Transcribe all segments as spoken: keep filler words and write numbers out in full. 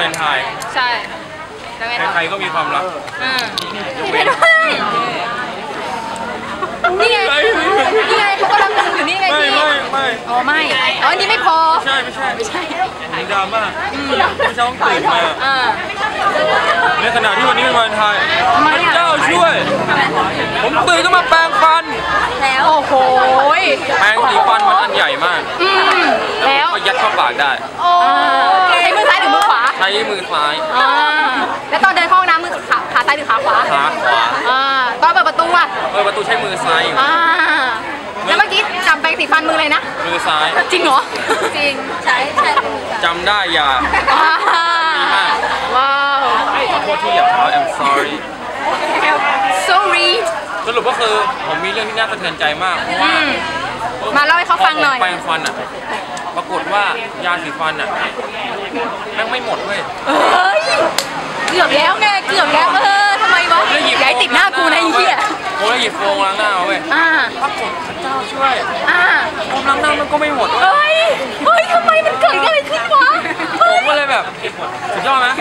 เลนไทน์ใช่ใครๆก็มีความรักยกเว้นนี่ไงนี่ไงเขากำลังมึงอยู่นี่ไงพี่ไม่ไม่อ๋อไม่อ๋ออันนี้ไม่พอใช่ไม่ใช่ไม่ใช่มีดราม่าไม่ใช่ต้องตื่นมาในขณะที่วันนี้เป็นวันไทยพระเจ้าช่วยผมตื่นต้องมาแปรงฟันแล้วโอ้โหแปรงสีฟันมันอันใหญ่มากแล้วก็ยัดเข้าปากได้ใช้มือซ้ายหรือมือขวาใช้มือซ้ายแล้วตอนเดินเข้าห้องน้ำมือขาขาซ้ายหรือขาขวาขาขวาตอนเปิดประตูอะเปิดประตูใช้มือซ้ายอยู่แล้วเมื่อกี้จำแปรงสีฟันมือเลยนะมือซ้ายจริงเหรอจริงใช่ใช่จำได้อย่าว้าวขอโทษที่หยาบคาย I'm sorry sorry สรุปก็คือผมมีเรื่องที่น่าสะเทือนใจมากเพราะว่ามาเล่าให้เขาฟังหน่อยแปรงฟันอ่ะปรากฏว่ายาสีฟันอ่ะแม่งไม่หมดเว้ยเกือบแล้วไงเกือบแล้วเออทำไมวะอย่าให้ติดหน้ากูนะไอ้เหี้ยโอ้ยหยิบโฟมล้างหน้าเว้ยปรากฏพระเจ้าช่วยโฟมล้างหน้ามันก็ไม่หมดเฮ้ยเฮ้ยทำไมมันเกิดอะไรขึ้นวะผมก็เลยแบบสุดยอดไหม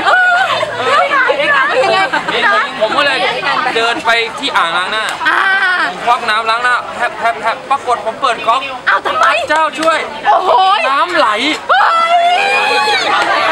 ผมก็เลยเดินไปที่อ่างล้างหน้าผมควักน้ำล้างหน้าแทบแทบแทบปรากฏผมเปิดก๊อกอ้าวทำไมเจ้าช่วยโอ้โหน้ำไหล